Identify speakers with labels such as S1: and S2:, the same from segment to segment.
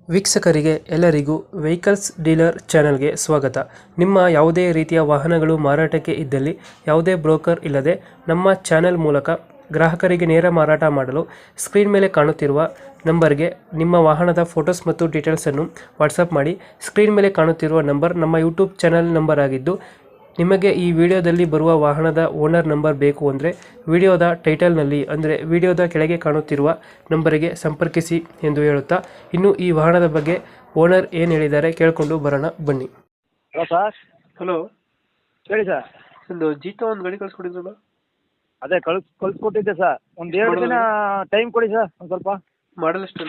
S1: ವೀಕ್ಷಕರಿಗೆ ಎಲ್ಲರಿಗೂ vehicles dealer ಚಾನೆಲ್ಗೆ ಸ್ವಾಗತ. ನಿಮ್ಮ ಯಾವುದೇ ರೀತಿಯ ವಾಹನಗಳು ಮಾರಾಟಕ್ಕೆ ಇದ್ದಲ್ಲಿ ಯಾವುದೇ ಬ್ರೋಕರ್ ಇಲ್ಲದೆ ನಮ್ಮ ಚಾನೆಲ್ ಮೂಲಕ ಗ್ರಾಹಕರಿಗೆ ನೇರ ಮಾರಾಟ ಮಾಡಲು ಸ್ಕ್ರೀನ್ ಮೇಲೆ ಕಾಣುತ್ತಿರುವ ನಂಬರ್ಗೆ ನಿಮ್ಮ ವಾಹನದ ಫೋಟೋಸ್ ಮತ್ತು ಡೀಟೇಲ್ಸನ್ನು ವಾಟ್ಸಪ್ ಮಾಡಿ. ಸ್ಕ್ರೀನ್ ಮೇಲೆ ಕಾಣುತ್ತಿರುವ ನಂಬರ್ ನಮ್ಮ ಯೂಟ್ಯೂಬ್ ಚಾನೆಲ್ ನಂಬರ್ ಆಗಿದ್ದು, ನಿಮಗೆ ಈ ವಿಡಿಯೋದಲ್ಲಿ ಬರುವ ವಾಹನದ ಓನರ್ ನಂಬರ್ ಬೇಕು ಅಂದರೆ ವಿಡಿಯೋದ ಟೈಟಲ್ನಲ್ಲಿ ಅಂದರೆ ವಿಡಿಯೋದ ಕೆಳಗೆ ಕಾಣುತ್ತಿರುವ ನಂಬರಿಗೆ ಸಂಪರ್ಕಿಸಿ ಎಂದು ಹೇಳುತ್ತಾ, ಇನ್ನು ಈ ವಾಹನದ ಬಗ್ಗೆ ಓನರ್ ಏನು ಹೇಳಿದ್ದಾರೆ ಕೇಳಿಕೊಂಡು ಬರೋಣ ಬನ್ನಿ.
S2: Hello sir.
S1: ಹಲೋ,
S2: ಹೇಳಿ ಸರ್.
S1: ಒಂದು ಜೀತೋ ಒಂದು ಗಾಡಿ ಕಳಿಸ್ಕೊಡಿದ್ರಲ್ಲ?
S2: ಅದೇ ಕಳಿಸ್ಕೊಟ್ಟಿದ್ದೆ ಸರ್. ಒಂದು 2 ದಿನ ಟೈಮ್ ಕೊಡಿ ಸರ್. ಒಂದು ಸ್ವಲ್ಪ
S1: ಮಾಡಲ್ ಎಷ್ಟು?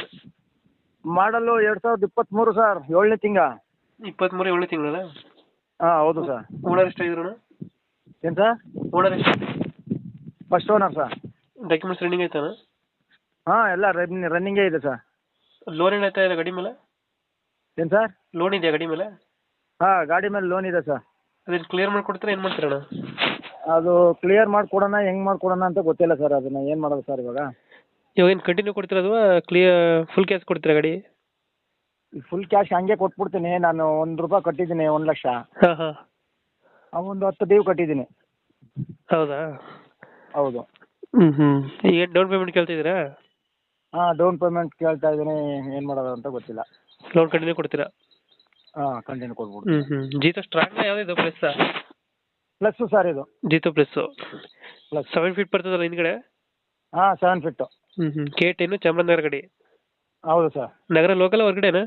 S2: ಮಾಡಲು 2023 ಸರ್, 7ನೇ ತಿಂಗಳ.
S1: 23 7ನೇ ತಿಂಗಳ?
S2: ಹಾಂ ಹೌದು ಸರ್.
S1: ಓನರ್ ಎಷ್ಟಾಗಿದ್ರು?
S2: ಏನು ಸರ್?
S1: ಓನರ್ ಎಷ್ಟು?
S2: First owner sir.
S1: Documents running ಆಯ್ತಾನ?
S2: ಹಾಂ ಎಲ್ಲ ರನ್ನಿಂಗೇ ಇದೆ ಸರ್.
S1: ಲೋನ್ ಏನಾಯ್ತಾ ಇಲ್ಲ ಗಾಡಿ ಮೇಲೆ?
S2: ಏನು ಸರ್?
S1: ಲೋನ್ ಇದೆಯಾ ಗಾಡಿ ಮೇಲೆ?
S2: ಹಾಂ ಗಾಡಿ ಮೇಲೆ ಲೋನ್ ಇದೆ ಸರ್.
S1: ಅದನ್ನು ಕ್ಲಿಯರ್ ಮಾಡಿಕೊಡ್ತೀರಾ ಏನು ಮಾಡ್ತೀರಣ್ಣ?
S2: ಅದು ಕ್ಲಿಯರ್ ಮಾಡಿಕೊಡೋಣ, ಹೆಂಗೆ ಮಾಡಿಕೊಡೋಣ ಅಂತ ಗೊತ್ತಿಲ್ಲ ಸರ್. ಅದನ್ನು ಏನು ಮಾಡೋದು ಸರ್ ಇವಾಗ?
S1: ಇವಾಗ ಏನು ಕಂಟಿನ್ಯೂ ಕೊಡ್ತೀರಾ ಅಥವಾ ಫುಲ್ ಕ್ಯಾಶ್ ಕೊಡ್ತೀರಾ ಗಾಡಿ?
S2: ಫುಲ್ ಕ್ಯಾಶ್ ಹಂಗೆ ಕೊಟ್ಬಿಡ್ತೀನಿ. ನಾನು ₹1 ಕಟ್ಟಿದ್ದೀನಿ, 1,00,000.
S1: ಹಾಂ ಹಾಂ.
S2: ಒಂದು 10 ಡೀವ್ ಕಟ್ಟಿದ್ದೀನಿ.
S1: ಹೌದಾ?
S2: ಹೌದು.
S1: ಈಗ ಡೌನ್ ಪೇಮೆಂಟ್ ಕೇಳ್ತಿದ್ದೀರಾ?
S2: ಹಾಂ ಡೌನ್ ಪೇಮೆಂಟ್ ಕೇಳ್ತಾ ಇದ್ದೀನಿ. ಏನು ಮಾಡೋದು ಅಂತ ಗೊತ್ತಿಲ್ಲ.
S1: ಲೋನ್ ಕಂಟಿನ್ಯೂ ಕೊಡ್ತೀರಾ?
S2: ಹಾಂ ಕಂಟಿನ್ಯೂ ಕೊಟ್ಬಿಡ್ತೀನಿ.
S1: ಜೀತೋ ಸ್ಟ್ರಾಂಗ್ ಯಾವುದಿದೆ ಪ್ಲಸ್?
S2: ಪ್ಲಸ್ಸು ಸರ್ ಇದು.
S1: ಜೀತೋ ಪ್ಲಸ್ಸು
S2: ಪ್ಲಸ್
S1: 7 ಫೀಟ್ ಬರ್ತದಲ್ಲ ಹಿಂದ್ಗಡೆ?
S2: ಹಾಂ 7 ಫಿಟ್ಟು.
S1: K10 ಚಾಮರಾಜನಗರ ಗಾಡಿ?
S2: ಹೌದು ಸರ್.
S1: ನಗರ ಲೋಕಲ್ ಹೊರಗಡೆನಾ?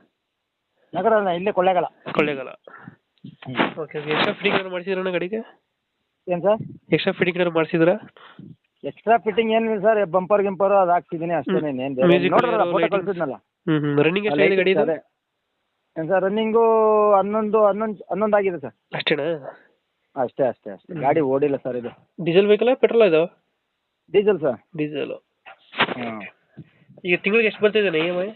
S2: ನಗರ ಅಲ್ಲ, ಇಲ್ಲೇ Kollegal.
S1: Kollegal. Okay. Extra fitting ಏನಾದ್ರು ಮಾಡಿಸಿದ್ರಣ್ಣ ಗಾಡಿಗೆ?
S2: ಏನು ಸರ್?
S1: ಎಕ್ಸ್ಟ್ರಾ ಫಿಟ್ಟಿಂಗ್ ಏನಾದ್ರು ಮಾಡಿಸಿದ್ರಾ?
S2: ಎಕ್ಸ್ಟ್ರಾ ಫಿಟ್ಟಿಂಗ್ ಏನಿಲ್ಲ ಸರ್. ಬಂಪರ್ ಗಿಂಪರು ಅದು ಹಾಕ್ಸಿದ್ದೀನಿ ಅಷ್ಟೇ.
S1: Music
S2: ನೋಡ್ರಲ್ಲ ಫೋಟೋ
S1: lighting.
S2: ಕಳಿಸಿದ್ನಲ್ಲ.
S1: ರನ್ನಿಂಗ್ ಎಷ್ಟಾಗಿದೆ ಗಾಡಿ?
S2: ಏನು ಸರ್ ರನ್ನಿಂಗು 11 ಆಗಿದೆ ಸರ್.
S1: ಅಷ್ಟೇನಾ?
S2: ಅಷ್ಟೇ. ಗಾಡಿ ಓಡಿಲ್ಲ ಸರ್ ಇದು.
S1: ಡೀಸೆಲ್ ವೆಹಿಕಲ್ ಪೆಟ್ರೋಲ್ ಇದು?
S2: Diesel sir.
S1: ಡೀಸೆಲ್.
S2: ಹಾಂ.
S1: ಈಗ ತಿಂಗಳಿಗೆ ಎಷ್ಟು ಬರ್ತಿದೆ EMI?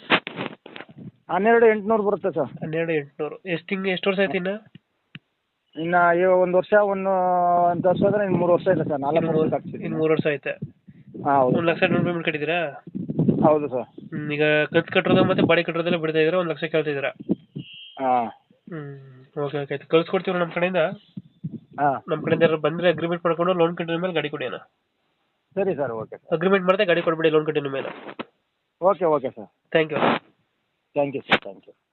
S2: 12,800 ಬರುತ್ತೆ ಸರ್.
S1: 12,800. ಎಷ್ಟು ವರ್ಷ ಆಯ್ತು ಇನ್ನು?
S2: ಇನ್ನು ಒಂದು ವರ್ಷ, ಒಂದು ವರ್ಷ ಆದರೆ ಇನ್ನು 3 ವರ್ಷ ಇದೆ ಸರ್. 4 ವರ್ಷ ಆಗ್ತಿದೆ.
S1: ಇನ್ನು 3 ವರ್ಷ ಐತೆ.
S2: ಹಾಂ ಹೌದು.
S1: 1,00,000 ಡೌನ್ ಪೇಮೆಂಟ್ ಕಟ್ಟಿದ್ದೀರಾ?
S2: ಹೌದು ಸರ್.
S1: ಈಗ ಕಂತು ಕಟ್ಟೋದು ಮತ್ತೆ ಬಾಡಿ ಕಟ್ಟೋದೆಲ್ಲ ಬಿಡ್ತಾ ಇದ್ದೀರಾ? 1,00,000 ಕೇಳ್ತಿದ್ದೀರಾ?
S2: ಹಾಂ.
S1: ಓಕೆ ಆಯ್ತು. ಕಳ್ಸ್ಕೊಡ್ತೀವಿ ನಮ್ಮ ಕಡೆಯಿಂದ.
S2: ಹಾಂ
S1: ನಮ್ಮ ಕಡೆಯಿಂದ ಯಾರು ಬಂದರೆ ಅಗ್ರಿಮೆಂಟ್ ಮಾಡ್ಕೊಂಡು ಲೋನ್ ಕಂಟಿನ್ಯೂ ಮೇಲೆ ಗಾಡಿ ಕೊಡಿ ಅಣ್ಣ.
S2: ಸರಿ ಸರ್. Okay sir.
S1: ಅಗ್ರಿಮೆಂಟ್ ಮಾಡಿದೆ ಗಾಡಿ ಕೊಡ್ಬೇಡಿ ಲೋನ್ ಕಂಟಿನ್ಯೂ ಮೇಲೆ.
S2: Okay sir.
S1: Thank you.
S2: Thank you sir. Thank you.